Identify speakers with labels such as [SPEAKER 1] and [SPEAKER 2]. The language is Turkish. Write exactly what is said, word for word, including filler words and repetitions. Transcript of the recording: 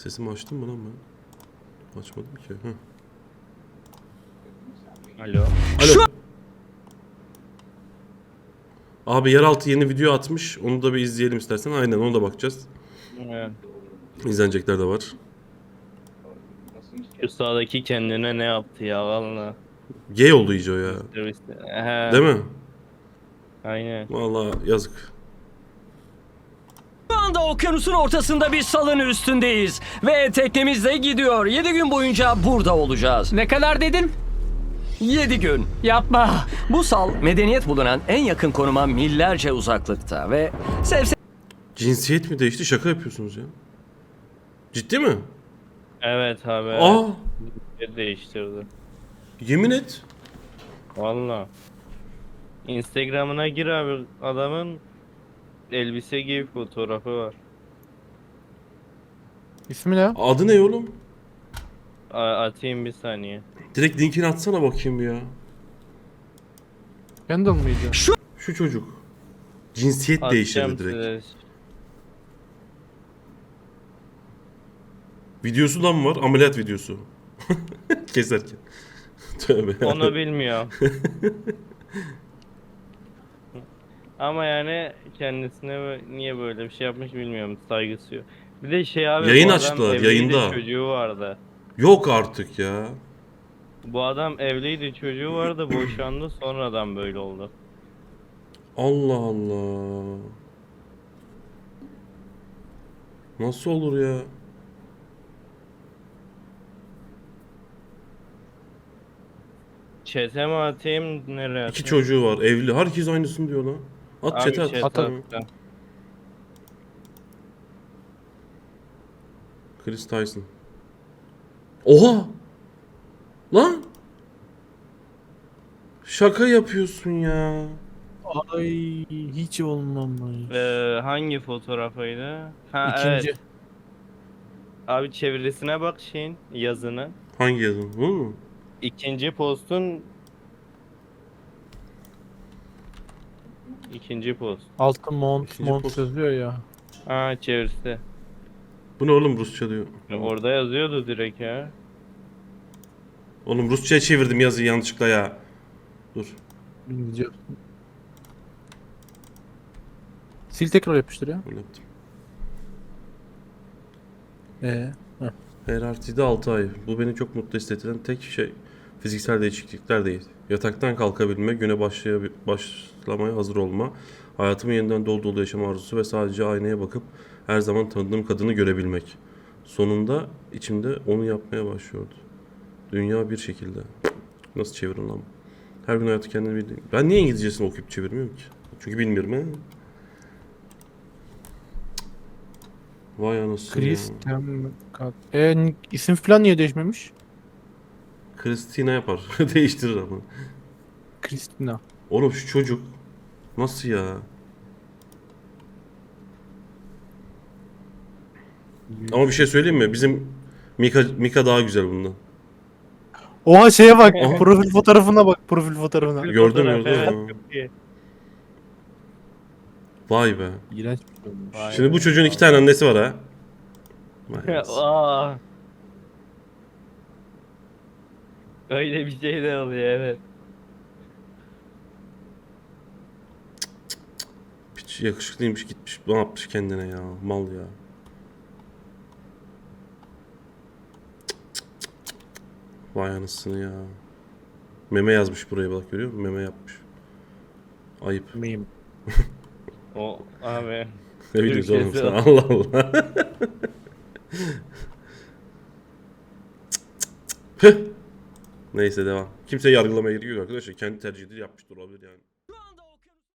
[SPEAKER 1] Sesimi açtım mı lan ben? Açmadım ki. Heh.
[SPEAKER 2] Alo.
[SPEAKER 1] Alo. Abi yeraltı yeni video atmış. Onu da bir izleyelim istersen. Aynen ona da bakacağız.
[SPEAKER 2] Evet.
[SPEAKER 1] İzlenecekler de var.
[SPEAKER 2] Şu sağdaki kendine ne yaptı ya valla.
[SPEAKER 1] Gay oldu iyice o ya.
[SPEAKER 2] He.
[SPEAKER 1] Değil mi?
[SPEAKER 2] Aynen.
[SPEAKER 1] Vallahi yazık.
[SPEAKER 3] Şu anda okyanusun ortasında bir salın üstündeyiz. Ve teknemiz de gidiyor. yedi gün boyunca burada olacağız. Ne kadar dedin? yedi gün. Yapma. Bu sal medeniyet bulunan en yakın konuma millerce uzaklıkta ve sevse
[SPEAKER 1] Cinsiyet mi değişti? Şaka yapıyorsunuz ya. Ciddi mi?
[SPEAKER 2] Evet abi.
[SPEAKER 1] Aa,
[SPEAKER 2] Evet. Değiştirdi.
[SPEAKER 1] yemin et.
[SPEAKER 2] Valla. Instagram'ına gir abi, adamın elbise giy fotoğrafı var.
[SPEAKER 4] İsmi ne?
[SPEAKER 1] Adı ne oğlum?
[SPEAKER 2] A- atayım bir saniye.
[SPEAKER 1] Direkt linkini atsana bakayım ya.
[SPEAKER 4] Kendall mıydı?
[SPEAKER 1] Şu çocuk. Cinsiyet
[SPEAKER 2] Atacağım
[SPEAKER 1] değiştirdi direkt.
[SPEAKER 2] size.
[SPEAKER 1] Videosu da mı var? Ameliyat videosu. Keserken. Tövbe.
[SPEAKER 2] Onu bilmiyorum. Ama yani kendisine bö- niye böyle bir şey yapmış bilmiyorum, saygısı yok. Bir de şey abi,
[SPEAKER 1] Yayın
[SPEAKER 2] bu adam
[SPEAKER 1] açtılar,
[SPEAKER 2] evliydi,
[SPEAKER 1] yayında.
[SPEAKER 2] çocuğu vardı.
[SPEAKER 1] Yok artık ya.
[SPEAKER 2] Bu adam evliydi, çocuğu vardı, boşandı, sonradan böyle oldu.
[SPEAKER 1] Allah Allah. Nasıl olur ya?
[SPEAKER 2] Chat'e mi atayım, nereye
[SPEAKER 1] İki
[SPEAKER 2] atayım?
[SPEAKER 1] çocuğu var, evli. Herkes aynısını diyor lan. At
[SPEAKER 2] Abi
[SPEAKER 1] chat'e at.
[SPEAKER 2] chat'e
[SPEAKER 4] Atalım.
[SPEAKER 2] attım.
[SPEAKER 1] Chris Tyson. Oha! Lan! Şaka yapıyorsun ya.
[SPEAKER 4] Ay hiç olmamış.
[SPEAKER 2] Ee, hangi fotoğrafıydı? Ha
[SPEAKER 4] İkinci.
[SPEAKER 2] evet. Abi çevirisine bak şeyin, yazını.
[SPEAKER 1] Hangi yazın? Bu mu?
[SPEAKER 2] İkinci postun ikinci post.
[SPEAKER 4] Altı mont
[SPEAKER 1] İkinci
[SPEAKER 4] mont
[SPEAKER 1] post.
[SPEAKER 4] yazıyor ya.
[SPEAKER 2] Ha, çevirisi.
[SPEAKER 1] Bu ne oğlum, Rusça diyor.
[SPEAKER 2] Orada yazıyordu direkt ya.
[SPEAKER 1] Oğlum Rusça'ya çevirdim yazıyı yanlışlıkla ya. Dur.
[SPEAKER 4] İngilizce. Sil tekrar yapıştır ya.
[SPEAKER 1] Öyle yaptım.
[SPEAKER 4] Ee, heh.
[SPEAKER 1] Her artıydı altı ay. Bu beni çok mutlu hissettiren tek şey fiziksel değişiklikler değil. Yataktan kalkabilme, güne başlaya- başlamaya hazır olma, hayatımı yeniden dolu dolu yaşama arzusu ve sadece aynaya bakıp her zaman tanıdığım kadını görebilmek. Sonunda içimde onu yapmaya başlıyordu. Dünya bir şekilde. Nasıl çevirin lan? Her gün hayatı kendini bildiğim. Ben niye İngilizcesini okuyup çevirmiyorum ki? Çünkü bilmiyorum he. Vay anasını ya.
[SPEAKER 4] Kristen Kat. Ee, n- isim falan niye değişmemiş?
[SPEAKER 1] Christina yapar. Değiştirir ama.
[SPEAKER 4] Kristina.
[SPEAKER 1] Oğlum şu çocuk nasıl ya? Ama bir şey söyleyeyim mi? Bizim Mika, Mika daha güzel bundan.
[SPEAKER 4] Oha şeye bak.
[SPEAKER 1] Aha.
[SPEAKER 4] Profil fotoğrafına bak. Profil fotoğrafına.
[SPEAKER 1] Gördüm,
[SPEAKER 2] Fotoğraf,
[SPEAKER 1] gördüm.
[SPEAKER 2] evet,
[SPEAKER 1] Ha.
[SPEAKER 2] çok iyi.
[SPEAKER 1] Vay be.
[SPEAKER 4] İğrenç bir şey olmuş.
[SPEAKER 2] Vay
[SPEAKER 1] Şimdi
[SPEAKER 2] be.
[SPEAKER 1] bu çocuğun iki tane annesi var ha. Vay anasını.
[SPEAKER 2] Aa. Öyle bir şey de oluyor, evet.
[SPEAKER 1] Piç yakışıklıymış gitmiş. Ne yapmış kendine ya? Mal ya. Vay anasını ya. Meme yazmış buraya bak, görüyor musun? Meme yapmış. Ayıp.
[SPEAKER 4] Meme.
[SPEAKER 2] O abi.
[SPEAKER 1] Ne biliyorsun oğlum
[SPEAKER 2] Türkçesi
[SPEAKER 1] sen?
[SPEAKER 2] o.
[SPEAKER 1] Allah Allah. Neyse devam. Kimseyi yargılamaya gerek yok arkadaşlar. Kendi tercihidir, yapmıştır olabilir yani.